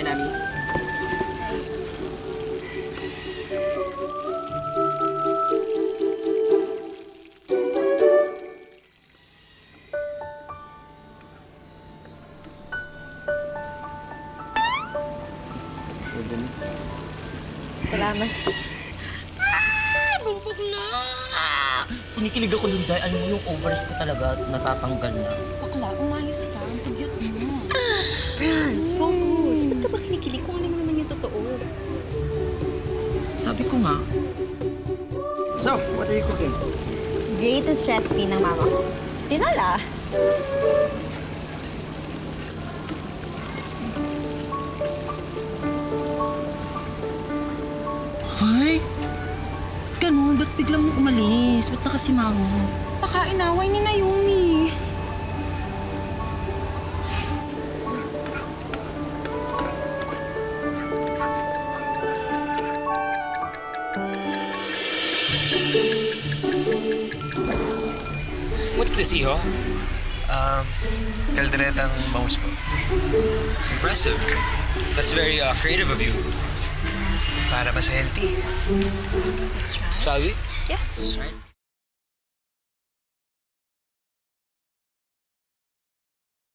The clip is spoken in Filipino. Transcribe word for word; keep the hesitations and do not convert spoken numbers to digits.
Hi, Nami. Salamat. Bumbog na! Kinikilig ako dun dahil alam mo yung ovaries ko talaga natatanggal na. Bakla, umayos ka. Ang pugyot mo. Franz, focus. Ba't ka ba kinikilig kung ano mo naman yung totoo? Sabi ko nga. So, what are you cooking? Greatest recipe ng mama ko. Tinola. Ay, ganun. Ba't biglang mo umalis? Ba't nakasimango? Baka inaway ni Naomi. What's this, Iho? Um, kalderetang bangus po. Impressive. That's very uh, creative of you. Para mas healthy. Shall we? Yeah. That's right.